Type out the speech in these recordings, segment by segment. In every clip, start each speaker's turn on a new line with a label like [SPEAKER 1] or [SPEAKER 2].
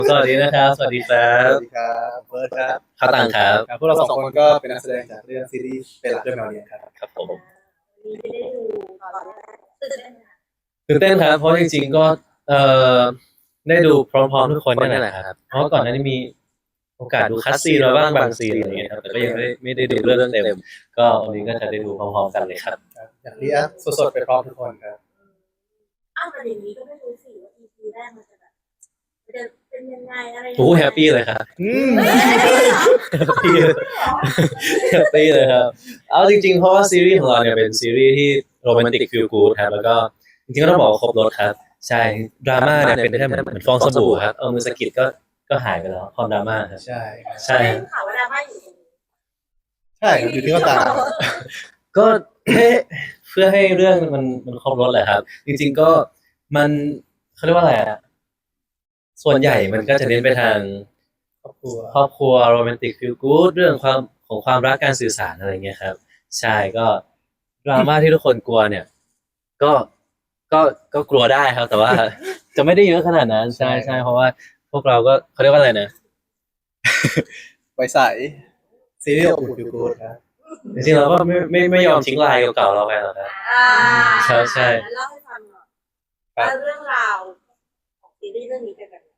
[SPEAKER 1] สวัสดีนะครับสวัสดีครั
[SPEAKER 2] ส
[SPEAKER 1] บ
[SPEAKER 2] วัสดีครับเฟิร์สครับ
[SPEAKER 1] ข้าวตังครับ
[SPEAKER 2] ครับพวกเราสองคนก็เป็นนักแสดงจากเรื่องซีรีส์เป็นหลักเรื่องแมวเนียนครับ
[SPEAKER 1] ครับผม
[SPEAKER 3] มีได้ดูตอนแรกตื่นเต้นไหมคะ
[SPEAKER 1] ตื่นเต้นครับเพราะจริงๆก็เอ่อได้ดูพร้อมๆทุกคนนี่แหละครับเพราะก่อนหน้านี้มีโอกาสดูคัสซีนมาบ้างบางซีนอะไรเงี้ยครับแต่ก็ยังไม่ได้ดูเรื่องเต็มก็วันนี้ก็จะได้ดูพร้อมๆกันเลยครับ
[SPEAKER 2] อยากเรียกสดๆไปพร้อมทุกคนครับ
[SPEAKER 3] อ้าวแต่อย่างนี้ก็ไม่รู้สิว่า EP แรกมันจะแบบมันจะเป็นยังไงอะไรยังไง
[SPEAKER 1] โอ้แฮปปี้เลยครับ
[SPEAKER 2] อืม
[SPEAKER 3] เฮ้ย
[SPEAKER 1] แฮปปี้แฮปปี้เลยครับเอาจริงๆเพราะว่าซีรีส์ของเราเนี่ยเป็นซีรีส์ที่โรแมนติกฟีลกู๊ดครับแล้วก็จริงๆก็ต้องบอกว่าครบรสครับใช่ดราม่าเนี่ยเป็นแค่เหมือนฟองสบู่ครับเอามือสะกิดก็หายไปแล้วความดราม่าครับ
[SPEAKER 2] ใช่ครับ
[SPEAKER 1] ใช่
[SPEAKER 3] ได้ข่าวว่าดราม่าอยู่ตรงนี้
[SPEAKER 2] ใช่ครับอยู่ที่ก็ตาม
[SPEAKER 1] ก็เพื่อให้เรื่องมันครบรสแหละครับ จริงๆก็มันเขาเรียกว่าอะไรอ่ะส่วนใหญ่มันก็จะเน้นไปทาง
[SPEAKER 2] ครอบครัว
[SPEAKER 1] ครอบครัวโรแมนติกฟีลกู๊ดเรื่องความรักการสื่อสารอะไรเงี้ยครับใช่ก็ดราม่าที่ทุกคนกลัวเนี่ย ก็ก็กลัวได้ครับ แต่ว่า จะไม่ได้เยอะขนาดนั้นใช่ใช่เพราะว่าพวกเราก็เขาเรียกว่าอะไรนะ
[SPEAKER 2] ไว้ใสซีรีส์อบอุ่นฟิลกู๊ดครับ
[SPEAKER 1] จริงๆเราก็ไม่ยอมทิ้งลายเก่าๆเราไปหรอกครับ ครับใช่
[SPEAKER 3] เล่าให้ฟังหน่อยว่าเรื่องราวของซีรีส์เรื่องนี้เป็นแบบไหน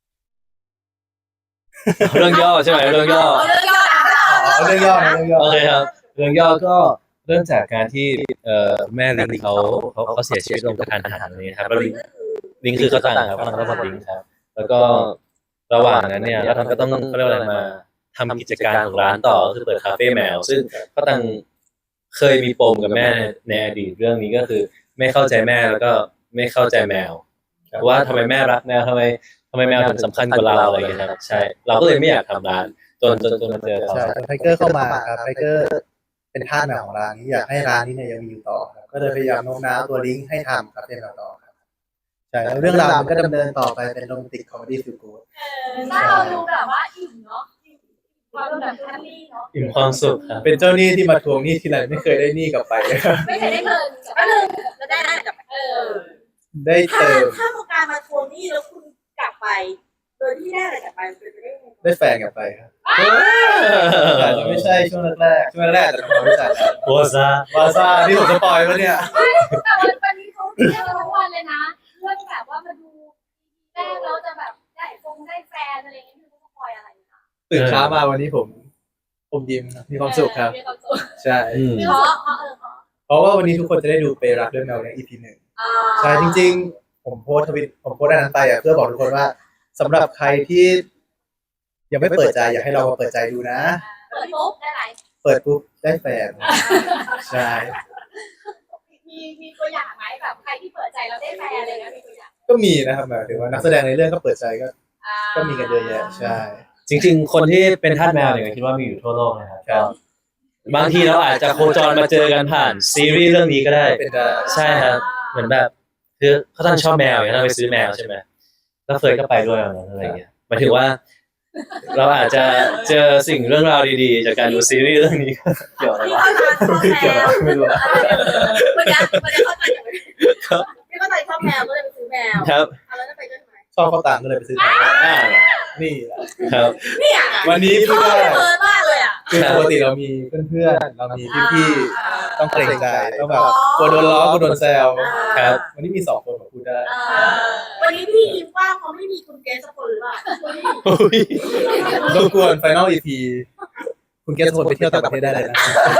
[SPEAKER 1] เรื่องย่อใช่ไหมเรื่องย่อ
[SPEAKER 3] เอาเรื่องย่อนะ
[SPEAKER 2] อ๋อเรื่องย่อนะเรื่องย่อ
[SPEAKER 1] โอเคครับเรื่องย่อก็เริ่มจากการที่แม่ลิงเขาเสียชีวิตลงกระทันหันอะไรเงี้ยครับแล้วลิงคือเขาต่างครับเขาต่างก็บอกลิงครับ แล้วก็ระหว่างนั้นเนี่ยแล้วก็ต้องเขาเรียกว่าอะไรมาทำกิจการของร้านต่อก็คือเปิดคาเฟ่แมว ซึ่งเขาต่างเคยมีปมกับแม่ในอดีตเรื่องนี้ก็คือ ไม่เข้าใจแม่แล้วก็ไม่เข้าใจแมวว่าทำไมแม่รักแมวทำไมแมวถึงสำคัญกว่าเราอะไรอย่างเงี้ยครับใช่เราก็เลยไม่อยากทำร้านจนมาเจอเขา
[SPEAKER 2] ใช่ไทเกอร์เข้ามาครับไทเกอร์เป็นทาสแมวของร้านนี้อยากให้ร้านนี้เนี่ยยังมีอยู่ต่อครับก็เลยพยายามโน้มน้าวตัวลิงก์ให้ทำครับเป็นแมวต่อครับใช่แล้วเรื่องราวมันก็ดำเนินต่อไปเป็นโรแมนติกคอมเมดี้ฟิลกู๊ด
[SPEAKER 3] ถ้าเราดูแบบว่าอิ่มเนาะความแบบแฮปปี้เนาะ
[SPEAKER 1] อิ่มความสุขครับ
[SPEAKER 2] เป็นเจ้าหนี้ที่มาทวงหนี้ทีไรไม่เคยได้หนี้กลับไปเลยครับ
[SPEAKER 3] ไม่เคยได้เงินก็เลยจะได้กลับ
[SPEAKER 2] ได้
[SPEAKER 3] ถ้า
[SPEAKER 2] เติม
[SPEAKER 3] ถ้าโครงการมาทวงหนี้แล้วคุณกลับไป โดยที่ได้อะไรกลับไปเป็นไปได้ยังไง
[SPEAKER 2] ได้แฟนกลับไปครับอาจจะไม่ใช่ช่วงแรกๆช่วงแรกๆแต่ทำความรู้จักกัน
[SPEAKER 1] โพสะ
[SPEAKER 2] วาซ่าที่ผมสปอยล์ปะเนี่ย
[SPEAKER 4] แต่วันนี้เขาเที่ยวทั้งวันเลยนะเรื่องแบบว่ามาดูแรกเราจะแบบได้แฟนอะไรอย่างเงี้ยไม่รู้ว่าคอยอะไรนะ
[SPEAKER 2] ตื่นเช้ามาวันนี้ผมยิ้มครับมีความสุขครับ
[SPEAKER 4] มีความสุข
[SPEAKER 2] ใช่
[SPEAKER 4] เพราะ
[SPEAKER 2] เพราะว่าวันนี้ทุกคนจะได้ดูไปรักเรื่องแมวใน EP หนึ่งใช่จริงๆผมโพสต์ทวิตผมโพสต์อันนั้นไปเพื่อบอกทุกคนว่าสำหรับใครที่ยังไม่เปิดใจอยากให้เรามาเปิดใจดูนะ
[SPEAKER 4] เปิดปุ๊บได้ไหน
[SPEAKER 2] เปิดปุ๊บได้แฟนใช่
[SPEAKER 4] มีตัวอย่างไหมแบบใครที่เปิดใจแล้วได้แฟนอะไรเงี้ยมีตัวอย่าง
[SPEAKER 2] ก็มีนะครับหมายถึงว่านักแสดงในเรื่องก็เปิดใจก็มีกันเยอะแยะใช่
[SPEAKER 1] จริงๆ คนที่เป็นทาสแมวเนี่ยคิดว่ามีอยู่ทั่วโลกนะครับก็บางทีเราอาจจะโคจรมาเจอกันผ่านซีรีส์เรื่องนี้ก็ได้
[SPEAKER 2] เป็นได้
[SPEAKER 1] ใช่ครับเหมือนแบบคือเขาตั้งชอบแมวอย่างนั้นเราไปซื้อแมวใช่ไหมแล้วเฟยก็ไปด้วยอะไรอย่างเงี้ยหมายถึงว่า เราอาจจะเจอสิ่งเรื่องราวดีๆ จากการดูซีรีส์เรื่องนี้เกี่ยวอะไรวะ
[SPEAKER 2] เกี่ยวอะไรไม่รู้อะ
[SPEAKER 3] ไม่ได้เข้าใจไม่เข้าใจชอบแมวก็เลยไปซื้อแมว
[SPEAKER 1] ครับ
[SPEAKER 3] แล้วจะไปด้วยไหม
[SPEAKER 2] ชอบข้าวตังก็เลยไปซื้อ
[SPEAKER 1] อ่า
[SPEAKER 2] นี่แหละ
[SPEAKER 1] ครับ
[SPEAKER 3] เนี่ย
[SPEAKER 2] วันนี้
[SPEAKER 3] ช
[SPEAKER 2] พูด
[SPEAKER 3] อบ
[SPEAKER 2] ได้
[SPEAKER 3] เฟิร์นมากเลยอ่ะ
[SPEAKER 2] คือปกติเรามีเพื่อนๆเรามีพี่ๆต้องเกรงใจต้องแบบกลัวโดนล้อกลัวโดนแซว
[SPEAKER 1] ครับ
[SPEAKER 2] วันนี้มี2 คนผมพูดได้
[SPEAKER 3] วันนี้พี่ยิ้มว่าเขาไม่มีคุณเกสสักคนหรือเปล่า
[SPEAKER 1] อุ้ย
[SPEAKER 2] รบกวนไฟนอล EP คุณเกสคนไปเที่ยวต่างประเทศได้เลยนะ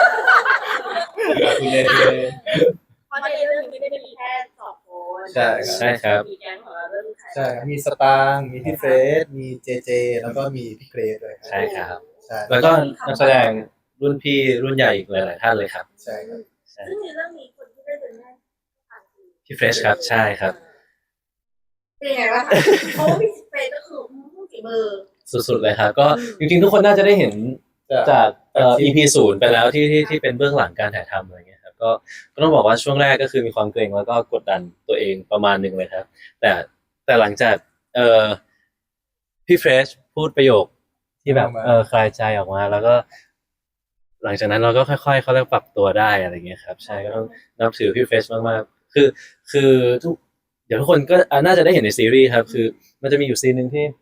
[SPEAKER 2] คุณเล่น
[SPEAKER 3] เพราะในเรื่องนี้ไม่ได้มีแค่2 คน
[SPEAKER 2] ใช่
[SPEAKER 1] ใช่ครับ
[SPEAKER 3] มีแก๊งของเราเรื่องใคร
[SPEAKER 2] ใช่มีสตางค์มีพี่เฟสมีเจเจแล้วก็มีพี่เกรซด้วย
[SPEAKER 1] ใช่ครับ
[SPEAKER 2] ใช่
[SPEAKER 1] แล้วก็นักแสดงรุ่นพี่รุ่นใหญ่อีกหลายๆท่านเลยครับ
[SPEAKER 2] ใช่ครับ
[SPEAKER 3] ซึ่งในเรื่องนี้คนที่ได้เป็นแม่ผ่านคือ
[SPEAKER 1] พี่เฟรชครับใช่ครับ
[SPEAKER 3] เป็นยังไงวะคะเพราะว่าพี่เฟย์ก็คือฝีมือ
[SPEAKER 1] สุดๆเลยครับ ก็จริงๆทุกคนน่าจะได้เห็นจากEP 0ไปแล้วที่เป็นเบื้องหลังการถ่ายทำอะไรเงี้ยครับก็ต้องบอกว่าช่วงแรกก็คือมีความเกรงแล้วก็กดดันตัวเองประมาณหนึ่งเลยครับ แต่หลังจากพี่เฟรชพูดประโยคที่แบบคลายใจออกมาแล้วก็ หลังจากนั้นเราก็ค่อยๆเขาเรียกปรับตัวได้อะไรเงี้ยครับใช่ก็ต้องนับถือพี่เฟรชมากๆคือทุกเดี๋ยวทุกคนก็น่าจะได้เห็นในซีรีส์ครับคือมันจะมีอยู่ซีนหนึ่งที่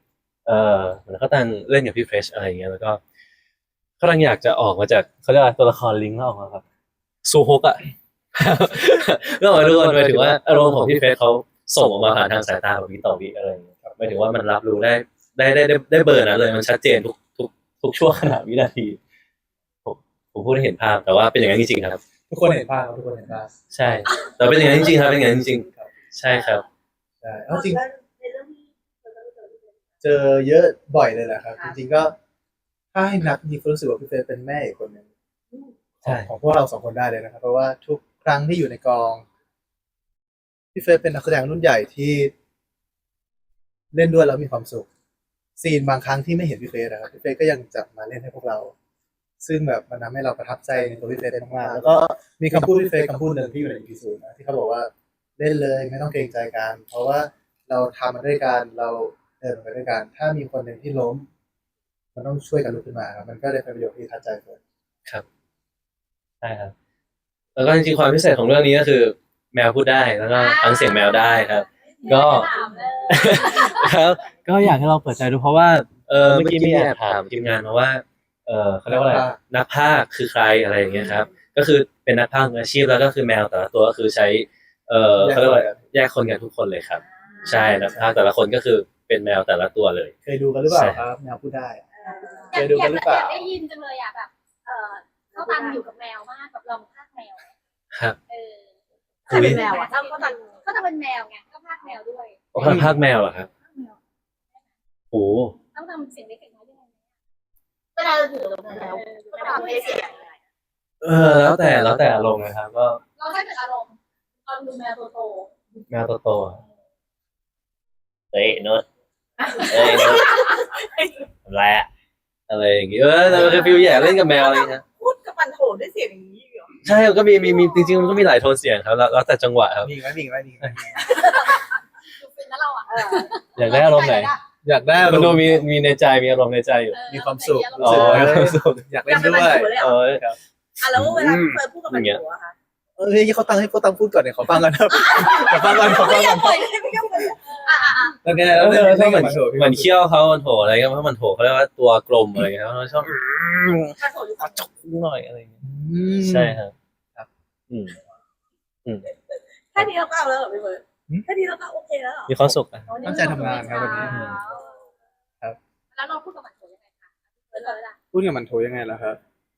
[SPEAKER 1] เหมือนเขาตั้งเล่นกับพี่เฟรชอะไรอย่างเงี้ยแล้วก็เขาตั้งอยากจะออกมาจากเขาเรียกว่าตัวละครลิงก์แล้วออกมาครับซูฮกอ่ะ ก็หมายทุกคนหมายถึงว่าอารมณ์ของพี่เฟรชเขาส่งออกมาผ่านทางสายตาแบบวิต่อวิอะไรอย่างเงี้ยหมายถึงว่ามันรับรู้ได้เบอร์นั้นเลยมันชัดเจนทุกช่วงขณะวินาทีผมผมพูดให้เห็นภาพแต่ว่าเป็นอย่างนั้นจริงๆครับ
[SPEAKER 2] ทุกคนเห็นภาพทุกคนเห็นภาพ
[SPEAKER 1] ใช่แต่เป็นอย่างนั้นจริงๆครับเป็นอย่างนั้นจริงๆใช่ครับ
[SPEAKER 2] ใช่เอาจริง
[SPEAKER 3] ในเรื่องที่เราจะเจอที่เป็น
[SPEAKER 2] เจอเยอะบ่อยเลยแหละครับ จริงๆก็ถ้าให้นับจริงๆก็รู้สึกว่าพี่เฟย์เป็นแม่อีกคนหนึ่ง
[SPEAKER 1] ใช่
[SPEAKER 2] ของพวกเราสองคนได้เลยนะครับเพราะว่าทุกครั้งที่อยู่ในกองพี่เฟย์เป็นนักแสดงรุ่นใหญ่ที่เล่นด้วยแล้วมีความสุขซีนบางครั้งที่ไม่เห็นพี่เฟย์นะครับพี่เฟย์ก็ยังจับมาเล่นให้พวกเรา ซึ่งแบบมันทำให้เราประทับใจในตัวพี่เฟย์ได้มากๆแล้วก็มีคำพูดพี่เฟย์คำพูดหนึ่งที่อยู่ใน EP 0นะที่เขาบอกว่าเล่นเลยไม่ต้องเกรงใจกันเพราะว่าเราทำมาด้วยกันเราเดินมาด้วยกันถ้ามีคนหนึ่งที่ล้ม มันต้องช่วยกันลุกขึ้นมาครับมันก็เลยเป็นประโยชน์ที่ทัดใจเฟิร์น
[SPEAKER 1] ครับใช่ครับแล้วก็จริงๆความพิเศษของเรื่องนี้ก็คือ แมวพูดได้แล้วก็ฟังเสียงแมวได้ครับ ก็
[SPEAKER 4] ถามเลย
[SPEAKER 1] ครับก็อยากให้เราเปิดใจดูเพราะว่าเมื่อกี้มีแอบถามทีมงานมาว่าเขาเรียกว่าอะไรนักพากย์คือใครอะไรอย่างเงี้ยครับ ก็คือเป็นนักพากย์มืออาชีพแล้วก็คือแมวแต่ละตัวก็คือใช้เขาเรียกว่าแยกคนกันทุกคนเลยครับ ใช่นักพากย์แต่ละคนก็คือเป็นแมวแต่ละตัวเลย
[SPEAKER 2] เคยดูกันหรือเปล่าครับแมวพูดได้
[SPEAKER 4] อยากได้ยินจังเลยอ่ะแบบเขาตังอยู่กับแมวมากแบบลองพากแมว
[SPEAKER 1] ครับ
[SPEAKER 3] ถ้าเป็นแมวอ่ะเขาตัด
[SPEAKER 4] เขาจะเป็นแมวไงก็พากแมวด้วย
[SPEAKER 1] เขาพากย์แมวเหรอครับโอ้
[SPEAKER 4] ต้องทำเสียงเล็กๆน้อยด้วย
[SPEAKER 3] เวลาเราอยู่กับแมวก็ทำให้เสียง
[SPEAKER 1] แล้วแต่อารมณ์นะครับก็
[SPEAKER 4] เราให้เป็นอารมณ์ตอนดูแมวโต
[SPEAKER 1] แมวโตๆอะเฮ้ยโนุชเฮ้ยโนุชอะไรอะอะไรอย่างเงี้ยแต่มันคือฟิลแย่เล่นกับแมวอะไรอย่างเงี้ย
[SPEAKER 3] พูดกับปันโถด้วยเสียงอย่างนี้เหรอ
[SPEAKER 1] ใช่มันก็มีจริงๆมันก็มีหลายโทนเสียงครับแล้วแต่จังหวะครับ
[SPEAKER 2] มีไหมมีไหมมีไหม
[SPEAKER 4] ๆดูเป็นแล้วเราอ่ะ
[SPEAKER 1] อยากได้อารมณ์ไหน
[SPEAKER 2] อยากได้
[SPEAKER 1] มันดูมีในใจมีอารมณ์ในใจอยู่
[SPEAKER 2] มีความสุข
[SPEAKER 1] อ๋อ
[SPEAKER 2] อยากเล่นด้วย
[SPEAKER 1] เออ
[SPEAKER 2] ครับ
[SPEAKER 3] อ่ะแล้วเวลาเฟิร์นพูดกับปันโถอะค่ะ
[SPEAKER 2] เฮ้ยเขาตั้งพูดก่อนเนี่ยขอฟังก่อนครับขอฟังก่อน
[SPEAKER 3] ไม่ยังปล่อยไม่ยังปล่อยอ่ะ
[SPEAKER 2] แล้วไง
[SPEAKER 1] แล้ว
[SPEAKER 2] แล้ว
[SPEAKER 1] ถ้า
[SPEAKER 2] เล่น
[SPEAKER 1] เหมื
[SPEAKER 2] กั
[SPEAKER 1] อบ น
[SPEAKER 2] มันโถ
[SPEAKER 1] เหมือนเคี้ยวเขามันโถอะไรก็เพราะมันโถเขาเรียกว่าตัวกลมอะไรเงี้ยเขาชอบ
[SPEAKER 3] ปันโถอยู่กับ
[SPEAKER 1] จกหน่อยอะไรเงี้ยใช่ครับอืม
[SPEAKER 3] แค่นี้เราก็เอาแล้วเหรอพี่เฟิร์นแค่นี้เราก็โอเคแล้วเหรอ
[SPEAKER 1] มีความสุขอ่ะ
[SPEAKER 2] ตั้งใจทำงานครับวันนี้ ครับ
[SPEAKER 4] แล้วเราพูดกับมันโถยังไงคะเฟิร์นเลยล่ะ
[SPEAKER 2] พูดกับมันโถยังไงล่ะครับ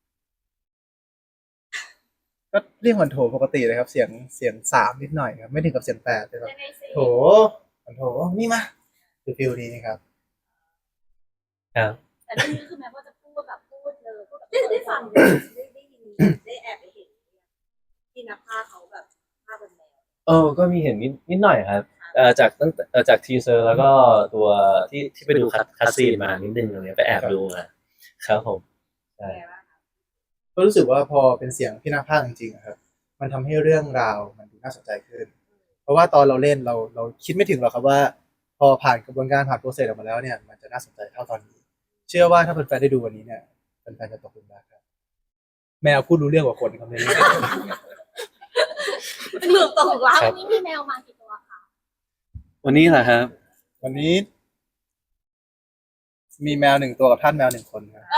[SPEAKER 2] ก็เรียกมันโถปกติเลยครับ เสียง3นิดหน่อยครับไม่ถึงกับเสียง8เลยครับ
[SPEAKER 4] ยังไงสิ
[SPEAKER 2] โถมันโถนี่มาคือฟิลนี้ครับ
[SPEAKER 1] ครับ
[SPEAKER 4] แต่เรื่องนี้คือแม้ว่าจะพูดแบบพูดเลยพูดแบบ
[SPEAKER 3] ได้ฟังได้ยินได้แอบไปเห็นที่นักพากย์เขาแบบพากย์เป็นแมว
[SPEAKER 1] ก็มีเห็นนิดหน่อยครับจากทีเซอร์แล้วก็ตัวที่ไปดูคัสซีนมานิดนึงอะไรเงี้ยไปแอบดูมาครับผมใช่
[SPEAKER 2] ก็รู้สึกว่าพอเป็นเสียงพี่นักพากย์จริงๆอะครับ มันทำให้เรื่องราวมันดูน่าสนใจขึ้น เพราะว่าตอนเราเล่นเราคิดไม่ถึงหรอกครับว่า พอผ่านกระบวนการผ่านโปรเซสออกมาแล้วเนี่ยมันจะน่าสนใจเท่าตอนนี้ เชื่อว่าถ้าแฟนๆได้ดูวันนี้เนี่ยแฟนๆจะตกหลุมรักครับ แมวพูดรู้เรื่องกว่าคนครับในนี้
[SPEAKER 3] หลุดตกรัก
[SPEAKER 4] วันนี้มีแมวมากี่ตัวคะ
[SPEAKER 1] วันนี้แหละครับ
[SPEAKER 2] วันนี้ มีแมว1ตัวกับท่านแมว1คนครับ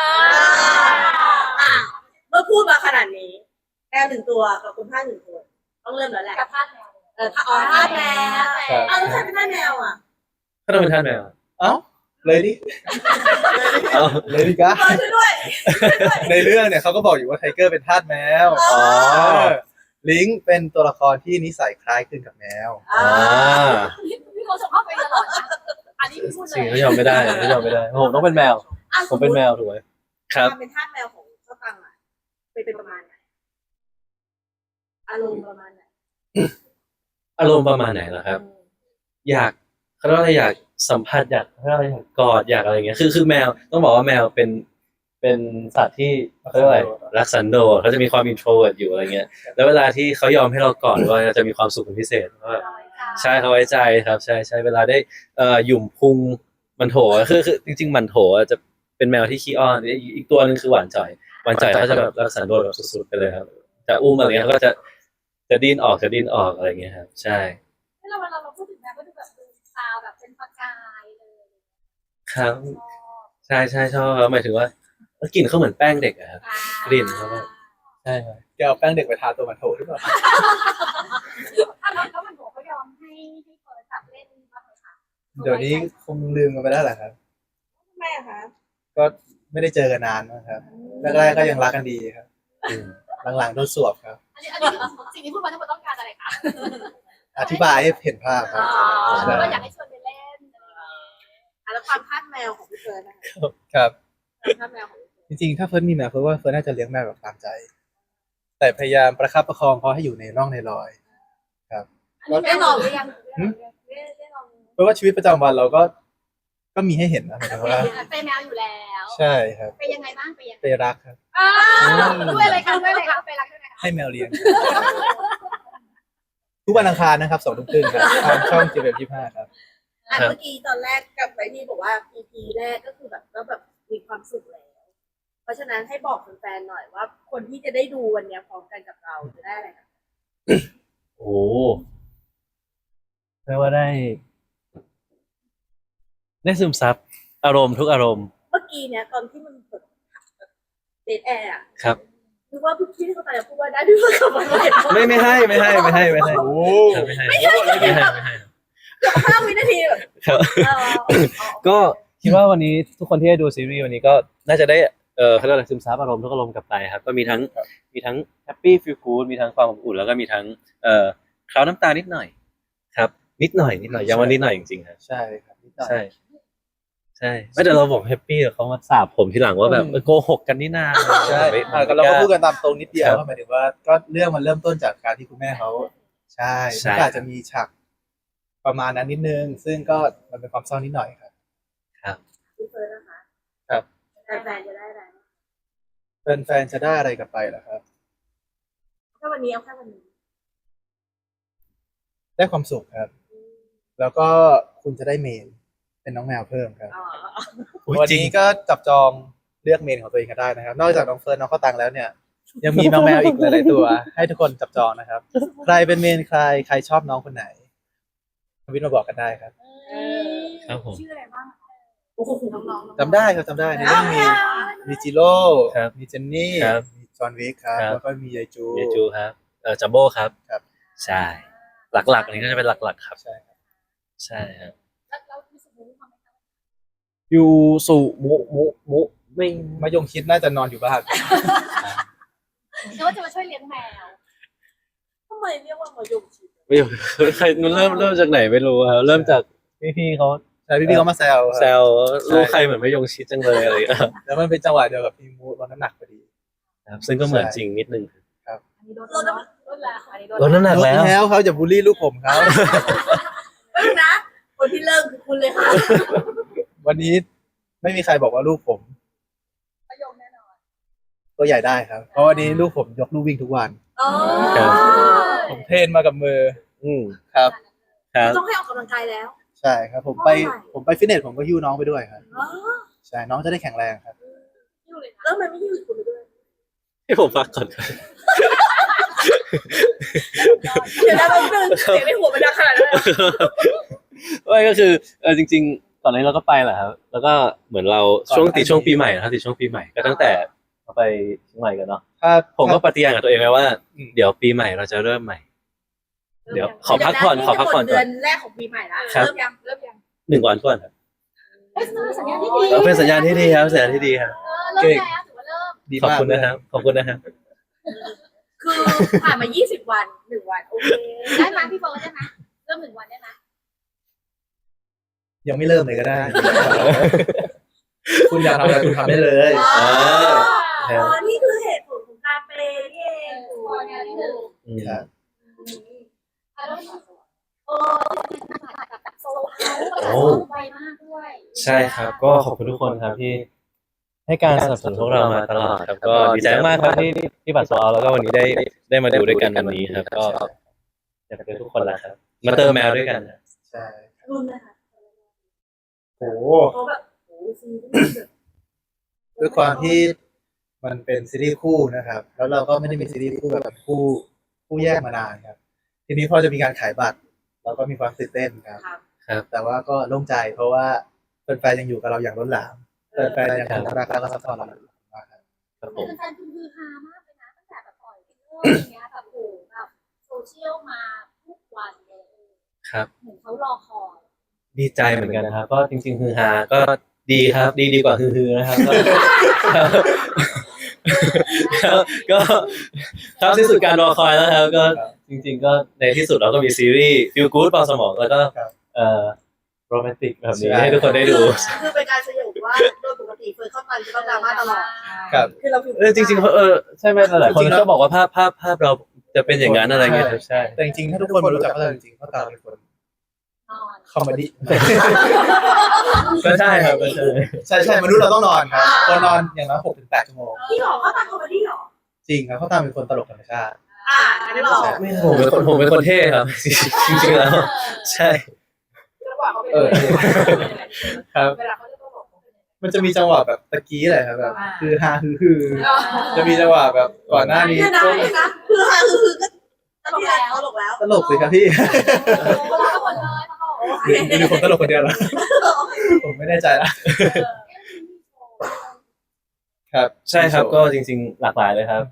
[SPEAKER 3] เมื่อพูดมาขนาดนี้แมว1ตัวกับคุณพ่า1คนต้องเริ่มแล้วแหละ
[SPEAKER 4] กับพาดแมว
[SPEAKER 3] ถ้าท่าแมวแล้วใครเป็นท่าแมวอ่ะ
[SPEAKER 1] ก็ต้องเป็นท่านแมว
[SPEAKER 2] เอ้าเลยดิ
[SPEAKER 1] เอา
[SPEAKER 2] เลยดิกะ
[SPEAKER 3] ช่วยด้วย
[SPEAKER 2] ในเรื่องเนี่ยเขาก็บอกอยู่ว่าไทเกอร์เป็นทาสแมว
[SPEAKER 1] อ๋อ
[SPEAKER 2] ลิงก์เป็นตัวละครที่นิสัยคล้ายคลึงกับแมว
[SPEAKER 4] พี่โมส่งเข้าไปตลอดนะอันนี้พี่พูดเล
[SPEAKER 1] สิ่ง
[SPEAKER 4] ย
[SPEAKER 1] ที่ยอมไม่ได้ผมต้องเป็นแมว ผมเป็นแมวถูกไหมครับ
[SPEAKER 3] การเป็นทาสแมวของเจ้าตังอ่ะเป็นประมาณไหนอารมณ์ประมาณไหน
[SPEAKER 1] อารมณ์ประมาณไหนล่ะครับ อยากเขาเรียกว่าอะไรอยากสัมผัสอยากเขาเรียกว่าอะไรอยากกอดอยากอะไรอย่างเงี้ยคือแมวต้องบอกว่าแมวเป็นสัตว์ที่เขาเรียกว่าอะไรรักสันโดษเขาจะมีความอินโทรเวิร์ตอยู่อะไรเงี้ยแล้วเวลาที่เขายอมให้เรากอดว่าจะมีความสุขเป็นพิเศษเพราะว่าใช่เขาไว้ใจครับใช่เวลาได้หยุ่มพุงมันโถคือจริงๆมันโถจะเป็นแมวที่ขี้อ้อนอีกตัวนึงคือหวานจ่อยเขาจะแบบรักสันโดษแบบสุดๆไปเลยครับจะอุ้มอะไรเงี้ยเขาก็จะดิ้นออกอะไรเงี้ยครับใช่
[SPEAKER 4] เวลาเราพูดถึงแมวก็ดูแบบดูตาแบบเป็นประกายเลย
[SPEAKER 1] ครับใช่ใช่ชอบครับหมายถึงว่ากลิ่นเขาเหมือนแป้งเด็กอะครับกลิ่นเขาแบบใช่ครับ
[SPEAKER 2] จะเอาแป้งเด็กไปทาตัวมันโถหรือเปล่า
[SPEAKER 4] แล้วมันบอกเขายอมให้เปิดจับเล่นบ้างไหมคะ
[SPEAKER 2] เดี๋ยวนี้คงลืมกันไปแล้วแหละครับ
[SPEAKER 3] ทำไมอะคะ
[SPEAKER 2] ก็ไม่ได้เจอกันนานนะครับแรกๆก็ยังรักกันดีครับหลังๆโดนสวบครับ
[SPEAKER 4] อันนี้สิ่งที่พูดมาทั้งหมดต้องการอะไรคะ
[SPEAKER 2] อธิบายให้เห็นภาพครับ
[SPEAKER 4] หรือว่าอยากให้ชวนไปเล่น
[SPEAKER 3] แล้วความคาดแมวของพี่เฟิร์นนะคะ
[SPEAKER 2] ครับ
[SPEAKER 3] ความคาดแมวของพี่เฟิร์น
[SPEAKER 2] จริงๆถ้าเฟิร์นมีแมวเฟิร์นว่าเฟิร์นน่าจะเลี้ยงแมวแบบตามใจ แต่พยายามประคับประคองเขาให้อยู่ในร่องในรอย
[SPEAKER 4] ได้ลองหรือยัง
[SPEAKER 3] ได้ลอง
[SPEAKER 2] เพราะว่าชีวิตประจำวันเราก็มีให้เห็นนะหมายถึงว่า
[SPEAKER 4] เป็นแมวอยู่แล้ว
[SPEAKER 2] ใช่ครับ
[SPEAKER 4] ไปยังไงบ้างไปยัง
[SPEAKER 2] ไปรักครับ
[SPEAKER 4] ด้วยอะไรคะด้วยอะไรคะไปรักด้วยอะไรคะ
[SPEAKER 2] ให้แมวเลี้ยง ทุกวันอังคารนะครับ2 ทุ่มครึ่งครับทางช่องJWF25ครับ
[SPEAKER 3] เมื่อกี้ตอนแรกกับไปที่บอกว่า EP แรกก็คือแบบก็แบบมีความสุขแล้ว เพราะฉะนั้นให้บอกแฟนๆหน่อยว่า คนที่จะได้ดูวันเนี้ยพร้อมกันกับเราจะได้อะไรคะ
[SPEAKER 1] โอ้เรียกว่าได้ซึมซับอารมณ์ทุกอารมณ์
[SPEAKER 3] เมื่อกี้เนี่ยตอนที่มันแบบเดทแอร์อะ
[SPEAKER 1] ครับ
[SPEAKER 3] คือว่าพี่เข้าใจพูดว่าได้พี่เฟิร์นกลับมาเลย
[SPEAKER 1] ไม่ให้ไม่ให้ไม่ให้
[SPEAKER 2] โอ้
[SPEAKER 1] ไม่ให้ไม่ให้
[SPEAKER 3] 5 วินาทีแบบ
[SPEAKER 1] ครับ ก็คิดว่าวันนี้ทุกคนที่ได้ดูซีรีส์วันนี้ก็น่าจะได้เขาเรียกอะไรซึมซับอารมณ์ทุกอารมณ์กลับไปครับก็มีทั้งแฮปปี้ฟีลกู๊ดมีทั้งความอบอุ่นแล้วก็มีทั้งคราวน้ำตานิดหน่อยครับนิดหน่อยยังว่านิดหน่อยจริงๆครับ
[SPEAKER 2] ใช่ครับนิดหน่อย
[SPEAKER 1] ใช่ไม่แต่เราบอกแฮปปี้แต่เขามาสาบผมทีหลังว่าแบบโกหกกันนี่นา
[SPEAKER 2] ใช่
[SPEAKER 1] ไม่
[SPEAKER 2] เราก็พูดกันตามตรงนิดเดียว
[SPEAKER 1] ครับ
[SPEAKER 2] ว่าหมายถึงว่าก็เรื่องมันเริ่มต้นจากการที่คุณแม่เขาใช่
[SPEAKER 1] ใช่
[SPEAKER 2] มันก็อาจจะมีฉากประมาณนั้นนิดนึง ซึ่งก็มันเป็นความเศร้านิดหน่อยครับ
[SPEAKER 3] พี่เฟิร์นนะคะ
[SPEAKER 2] ครับ
[SPEAKER 3] แฟนๆจะได้อะไร
[SPEAKER 2] แฟนๆจะได้อะไรกลับไปเหรอครับ
[SPEAKER 3] แค่วันนี้เอาแค่วันนี้
[SPEAKER 2] ได้ความสุขครับ แล้วก็คุณจะได้เมนเป็นน้องแมวเพิ่มครับ
[SPEAKER 3] อ๋อ
[SPEAKER 2] วันนี้ก็จับจองเลือกเมนของตัวเองกันได้นะครับ นอกจากน้องเฟิร์นน้องข้าวตังแล้วเนี่ย ยังมีน้องแมวอีกหลายๆตัว ให้ทุกคนจับจองนะครับ ใครเป็นเมนใครชอบน้องคนไหนทวิตมาบอกกันได้ครับ
[SPEAKER 1] ครับผม
[SPEAKER 4] ชื่ออะไรบ้าง
[SPEAKER 3] โอ้โห
[SPEAKER 4] น้องๆ
[SPEAKER 2] จำได้ครับจำได้ในเรื่องมีจิโร่
[SPEAKER 1] ครับ
[SPEAKER 2] มีเจนนี่
[SPEAKER 1] ครับ
[SPEAKER 2] มีจอห์นวิกครับ
[SPEAKER 1] ครับ
[SPEAKER 2] แล้วก็มียายจู
[SPEAKER 1] เยจูครับจัมโบ้ครับ
[SPEAKER 2] ครับ
[SPEAKER 1] ใช่หลักๆอันนี้ก็จะเป็นหลักๆครับ
[SPEAKER 2] ใช่ครับ
[SPEAKER 1] ใช่ครับ
[SPEAKER 4] แล้วรู้สึกรู้ความไหมคะ
[SPEAKER 1] ยูสุมุไม่
[SPEAKER 2] มายงคิดน่าจะนอนอยู่บ้าน
[SPEAKER 4] นึกว่าจะมาช่วยเลี้ยงแมว
[SPEAKER 3] ทำไมเรียกว่ามายงชิด
[SPEAKER 1] ไม่ใครมันเริ่มจากไหนไม่รู้ครับเริ่มจากพี่ๆเขา
[SPEAKER 2] ใช่พี่ๆเขามาแซวครับ
[SPEAKER 1] แซวลูกใครเหมือนไม่ยงชิดจังเลยอะไรอย่างเงี้ย
[SPEAKER 2] แล้วมันเป็นจังหวะเดียวกับพี่มูลดน้ำหนักพอดี
[SPEAKER 1] ครับซึ่งก็เหมือนจริงนิดนึง
[SPEAKER 4] อันนี้ลดแล้วอันนี้
[SPEAKER 1] ลดน้ำหนัก
[SPEAKER 2] ลด
[SPEAKER 1] แล้ว
[SPEAKER 2] แล้วเขาอย่าบูลลี่ลูกผมเขา
[SPEAKER 3] เออนะ คนที่เริ่มคือคุณเลยค่ะ
[SPEAKER 2] วันนี้ไม่มีใครบอกว่าลูกผม
[SPEAKER 4] ประโยคแน่นอน
[SPEAKER 2] ตัวใหญ่ได้ครับ เพราะวันนี้ลูกผมยกลูกวิ่งทุกวัน
[SPEAKER 3] อ๋อ
[SPEAKER 2] ผมเทรนมากับมือ
[SPEAKER 1] อืม
[SPEAKER 2] ครับ
[SPEAKER 1] ครับ
[SPEAKER 3] ต้องให้ออกกำลังกายแล้ว
[SPEAKER 2] ใช่ครับ ผมไปฟิตเนสผมก็หิ้วน้องไปด้วยครับ
[SPEAKER 3] อ๋อ
[SPEAKER 2] ใช่น้องจะได้แข็งแรงครับ
[SPEAKER 4] อยู่เลยนะ
[SPEAKER 3] แล้วมันไม่ยืดคุณไปด้วย
[SPEAKER 1] ให้ผมพักก่อนครับ
[SPEAKER 3] เดี๋ยวนะแป๊บนึงเสียงในหัวมันดังขนาดนั้นเลยเหรอ
[SPEAKER 1] ไม่ก็คือจริงๆก่อนหน้านี้เราก็ไปแหละครับแล้วก็เหมือนเราช่วงปีใหม่นะครับติดช่วงปีใหม่ก็ตั้งแต่เราไปเชียงใหม่กันเนาะ
[SPEAKER 2] ถ้า
[SPEAKER 1] ผมก็ปฏิญาณกับตัวเองไว้ว่า
[SPEAKER 2] อืม
[SPEAKER 1] เดี๋ยวปีใหม่เราจะเริ่มใหม่ เดี๋ยวขอพักผ่อนขอพักผ่อน
[SPEAKER 3] เดื
[SPEAKER 1] ก่
[SPEAKER 3] อ
[SPEAKER 1] อน
[SPEAKER 3] นแรกของปีใหม่ละ
[SPEAKER 1] ครับ
[SPEAKER 3] เริ่มยัง
[SPEAKER 1] 1 วันก่อนครับ
[SPEAKER 4] สัญญาณที่ดี
[SPEAKER 1] เป็นสัญญาณที่ดีครับสัญญาณที่ดีครับ
[SPEAKER 4] เริ่มแล้วถือว่าเริ่ม
[SPEAKER 2] ดี
[SPEAKER 1] ขอบ
[SPEAKER 2] มาก
[SPEAKER 1] คุณนะครับขอบคุณนะครับ
[SPEAKER 3] คือผ่านมา20 วัน1 วันโอเค
[SPEAKER 4] ได้ไหมพี่โบได้ไหมเริ่ม1 วันได้ไหม
[SPEAKER 2] ยังไม่เริ่มเลยก็ได้ คุณอยากทำอะไรคุณทำได้เลย
[SPEAKER 3] อ๋อ
[SPEAKER 1] ครับ
[SPEAKER 3] อ๋อนี่คือเหตุผลของการเปย์นี่เอง
[SPEAKER 4] ขอเนี่ยนิดนึง
[SPEAKER 2] ครับ
[SPEAKER 4] แล้วโอ้แบบโซโล่ไวมากด้วย
[SPEAKER 1] ใช่ครับ ก็ขอบคุณทุกคนครับที่ให้การสนับสนุนพวกเรามาตลอดครับก็ดีใจมากครับที่บัตรโซลแล้วก็วันนี้ได้มาดูด้วยกันวันนี้ครับ ก็อยากเจอทุกคนแล้วครับมาเติมแมวด้วยกันครับ
[SPEAKER 2] ใช่
[SPEAKER 3] รุ่นนะคะ
[SPEAKER 2] โอ้
[SPEAKER 3] เขาแบบโอ้ซีรีส์แบบ
[SPEAKER 2] ด้วยความที่มันเป็นซีรีส์คู่นะครับ แล้วเราก็ไม่ได้มีซีรีส์คู่แบบคู่แยกมานานครับ ทีนี้พอจะมีการขายบัตร เราก็มีความตื่นเต้นครับ
[SPEAKER 3] ครับ
[SPEAKER 1] ครับ
[SPEAKER 2] แต่ว่าก็โล่งใจเพราะว่าแฟนๆยังอยู่กับเราอย่างล้นหลามแฟนๆยังรักแล้วก็ซัพพอร์ตเราอยู่มากครับ
[SPEAKER 1] ครับผม
[SPEAKER 4] แฟนๆคือฮามากเลยนะตั้งแต่แบบปล่อยเรื่องอย่างเงี้ยแบบโอ้แบบโซเชียลมาทุกวันเลย
[SPEAKER 1] ครับ
[SPEAKER 4] เหมือนเขารอคอย
[SPEAKER 1] ดีใจเหมือนกันนะครับก็จริงๆฮือฮาก็ดีครับดีกว่าฮือๆนะครับก็ครับที่สุดการรอคอยแล้วครับก็จริงๆก็ในที่สุดเราก็มีซีรีส์ฟีลกู๊ดเบาสมองแล้วก็โรแมนติกแบบนี้ให้ทุกคนได้ดู
[SPEAKER 3] คือเป็นการสยบว่าโดยปกติเฟิร์นเข้าไปจะต้องดราม่าตลอด
[SPEAKER 2] ครับ
[SPEAKER 3] คือเราผิด
[SPEAKER 1] จริงๆใช่ไหมหลายคนก็บอกว่าภาพเราจะเป็นอย่างนั้นอะไรเงี้ยครับใช่
[SPEAKER 2] แต่จริงๆถ้าทุกคนมารู้จักเขาจริงๆเขาตามเป็นคน
[SPEAKER 4] นอน
[SPEAKER 2] คอมเมดี้
[SPEAKER 1] ก็ใช่ครับก็ใช่
[SPEAKER 2] ใช่มนุษย์เราต้องนอนครับคนนอนอย่างน้อย6-8 ชั่วโมง
[SPEAKER 3] พี่หรอเขาตามคอมเมดี้หรอ
[SPEAKER 2] จริงครับเขาตามเป็นคนตลกธรรมชาติ
[SPEAKER 3] งั้นหรอ
[SPEAKER 1] ไม่ผมเป็นคนเท่ครับ จริงๆแล้วใช่
[SPEAKER 3] จังหวะเขาเป็น
[SPEAKER 2] ครับ
[SPEAKER 3] เวลาเขาจะต้องบอกเขาเป็นยังไง
[SPEAKER 2] มันจะมีจังหวะแบบตะกี้แหละครับแบบคือฮาคือจะมีจังหวะแบบก่อนหน้านี้
[SPEAKER 3] เนี่ยนะคือฮาคือก็ตลกแล้ว
[SPEAKER 2] ตลกสิครับพี่
[SPEAKER 4] เขารอหมดเลยเขาบอก
[SPEAKER 2] มีคนตลกคนเดียวเหรอผมไม่แน่ใจละครับ
[SPEAKER 1] ใช่ครับก็จริงๆหลากหลายเลยครับ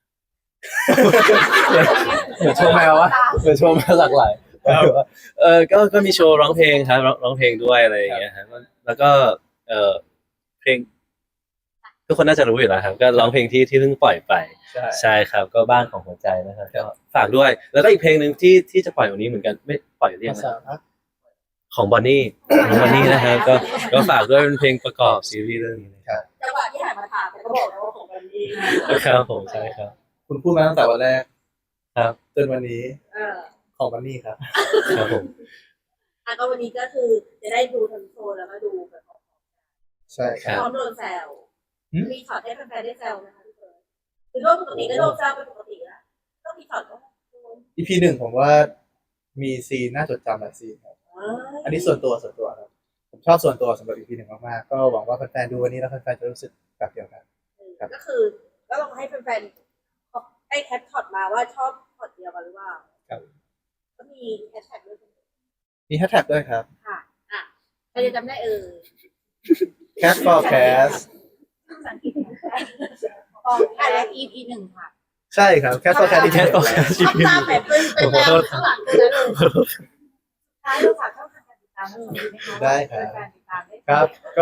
[SPEAKER 1] เหมือนโชว์แมววะเหมือนโชว์แมวหลากหลายก็มีโชว์ร้องเพลงครับร้องเพลงด้วยอะไรอย่างเงี้ยครับแล้วก็เพลงทุกคนน่าจะรู้อยู่แล้วครับก็ร้องเพลงที่เพิ่งปล่อยไป ใช่ครับก็บ้านของหัวใจนะครับก็ฝากด้วยแล้วก็อีกเพลงหนึ่งที่จะปล่อยวันนี้เหมือนกันไม่ปล่อยเรียงนะของบอนนี่นะครับก็ฝากด้วยเป็นเพลงประกอบซีรีส์เรื่องนี้นะครับ
[SPEAKER 3] จังหวะที่หันมาถามเขาบอกแล้วว่าของวันนี้
[SPEAKER 1] ครับผมใช่ครับ
[SPEAKER 2] คุณพูดมาตั้งแต่วันแรก
[SPEAKER 1] ครับ
[SPEAKER 2] จนวันนี้ของวันนี้ครับ
[SPEAKER 1] ครับผม
[SPEAKER 3] ก็วันนี้ก็คือจะได้ดูทั้งโชว์แล้วก็ดูแบบ
[SPEAKER 2] ใช่ค
[SPEAKER 1] ครั
[SPEAKER 2] รับ
[SPEAKER 1] บ
[SPEAKER 3] พร้อมโดนแซวมีช็อตให้แฟนๆได้แซวนะคะทุกคนคือโดนปกติก็โดนแซวเป็นปกติแล้วต้องมีช็อตก็
[SPEAKER 2] EP 1ผมว่ามีซีนน่าจดจำหลายซีนครับอันนี้ส่วนตัวครับผมชอบส่วนตัวสำหรับ EP 1มากๆก็หวังว่าแฟนๆดูวันนี้แล้วแฟนๆจะรู้สึกแบบเดียวกัน
[SPEAKER 3] ก็คือก็ลองให้แฟนๆให้แคปช็อตมาว่าชอบช็อตเดียวกันหรือเปล่าก็มีแฮชแท็กด้วย
[SPEAKER 2] มีแฮชแท็กด้วยครับ
[SPEAKER 3] ค่ะใครจะจำได้
[SPEAKER 2] Cat for Cast
[SPEAKER 4] ภาษาอังกฤษและ EP 1ค่ะ
[SPEAKER 2] ใช่ครับ Cat for Cast ที่
[SPEAKER 1] Cat
[SPEAKER 2] 1
[SPEAKER 1] for Cast
[SPEAKER 3] ทำตามแบบเป็นแนวข้างหลังเลยท้ายเราฝากช่องทางการติดตามด้วยนะคะ
[SPEAKER 2] ได้ครับ
[SPEAKER 3] การติดตามได้
[SPEAKER 2] ครับ ก็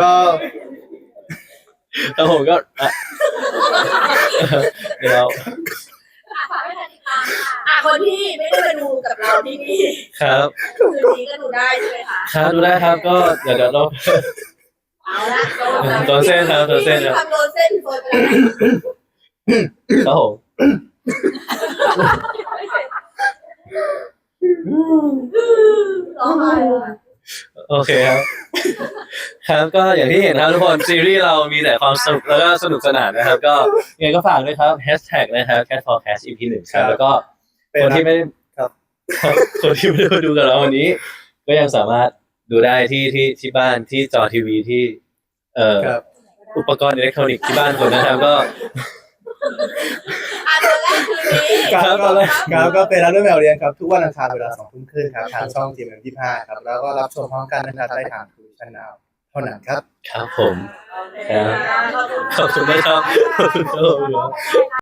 [SPEAKER 1] แล้วผมก็เดี๋ยว
[SPEAKER 4] ฝากให้ติดตามค่ะ
[SPEAKER 3] คนที่ไม่ได้มาดูกับเราที่นี่
[SPEAKER 1] ครับ
[SPEAKER 3] คืนนี้ก็ดูได้ใช่ไหมคะ
[SPEAKER 1] ครับดูได้ครับก็เดี๋ยวเรา
[SPEAKER 3] เอาละ
[SPEAKER 1] โดนเส้นครับโดนเส้นครับ
[SPEAKER 3] ทำโดนเส้นโดนไปแล้ว
[SPEAKER 1] ครับผม
[SPEAKER 3] ร้องไห้เลย
[SPEAKER 1] โอเคครับ ครับก็อย่างที่เห็นครับทุกคนซีรีส์เรามีแต่ความสนุกแล้วก็สนุกสนานนะครับ ก็ยังไงก็ฝากด้วยครับแฮชแท็กนะครับ Cat for Cast EP 1ครับแล้วก็คนที่ไม่ได้
[SPEAKER 2] ครับ
[SPEAKER 1] คนที่ไม่ได้มาดูกับเราวันนี้ ก็ยังสามารถดูได้ที่บ้านที่จอทีวีที่
[SPEAKER 2] ครับ
[SPEAKER 1] อุปกรณ์อิเล็กทรอนิกส์ที่บ้านคนนะครับก็
[SPEAKER 3] เดือนแรกคืนนี้
[SPEAKER 2] ครับก็เป็นรับด้วยแมวเรียนครับทุกวันอังคารเวลา 20:30 นครับทางช่อง GMM25 ครับแล้วก็รับชมพร้อมกันนะครับได้ทางทูชั่นนาวเท่านั้นครับ
[SPEAKER 1] ครับผมครับขอบคุณนะครับขอบคุณครับ